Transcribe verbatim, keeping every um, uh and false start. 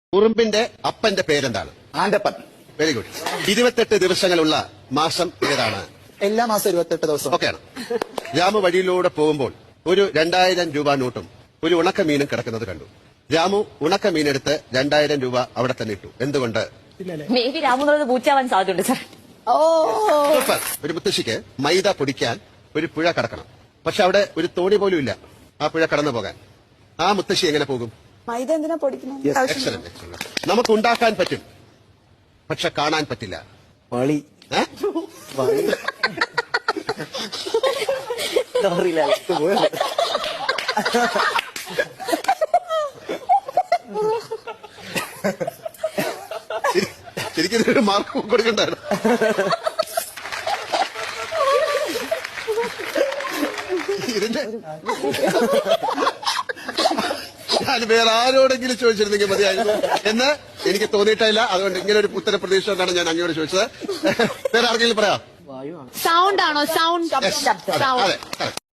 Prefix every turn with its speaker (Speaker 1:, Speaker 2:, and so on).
Speaker 1: ഉറുമ്പിന്റെ അപ്പന്റെ പേരെന്താണ്?
Speaker 2: Antappan.
Speaker 1: Very good. ഇരുപത്തെട്ട് ദിവസങ്ങളുള്ള മാസം ഏതാണ്?
Speaker 2: എല്ലാ മാസം ഇരുപത്തെട്ട് ദിവസം.
Speaker 1: ഓക്കെയാണ്. രാമു വഴിയിലൂടെ പോകുമ്പോൾ ഒരു രണ്ടായിരം രൂപ നോട്ടും ഒരു ഉണക്കമീനും കിടക്കുന്നത് കണ്ടു. രാമു ഉണക്കമീനെടുത്ത് രണ്ടായിരം രൂപ അവിടെ തന്നെ ഇട്ടു. എന്തുകൊണ്ട്?
Speaker 3: മേ ബി രാമു എന്നുള്ളത് പൂച്ചാവാൻ സാധ്യതയുണ്ട് സാർ. ഓ
Speaker 1: സൂപ്പർ. ഒരു മുത്തശ്ശിക്ക് മൈദ പൊടിക്കാൻ ഒരു പുഴ കടക്കണം. പക്ഷെ അവിടെ ഒരു തോണി പോലും ഇല്ല ആ പുഴ കടന്നു പോകാൻ. ആ മുത്തശ്ശി എങ്ങനെ പോകും?
Speaker 4: മൈദ എന്തിനാ പൊടിക്കുന്നത്?
Speaker 1: Excellent excellent. നമുക്ക് ഉണ്ടാക്കാൻ പറ്റും, പക്ഷെ കാണാൻ പറ്റില്ല.
Speaker 2: വളി.
Speaker 1: ഏ? ശരി- ശരിക്കും ഇതിനൊരു മാർക്ക് കൊടുക്കണ്ടായിരുന്നു. ഇതിന്റെ ഞാൻ വേറെ ആരോടെങ്കിലും ചോദിച്ചിരുന്നെങ്കിൽ മതിയായിരുന്നു എന്ന് എനിക്ക് തോന്നിയിട്ടില്ല. അതുകൊണ്ട് ഇങ്ങനെ ഒരു ഉത്തര പ്രതീക്ഷ കൊണ്ടാണ് ഞാൻ അങ്ങോട്ട് ചോദിച്ചത്. വേറെ ആർക്കെങ്കിലും പറയാം?
Speaker 3: സൗണ്ട് ആണോ? Sound
Speaker 1: Yes. അതെ, അതെ, അതെ.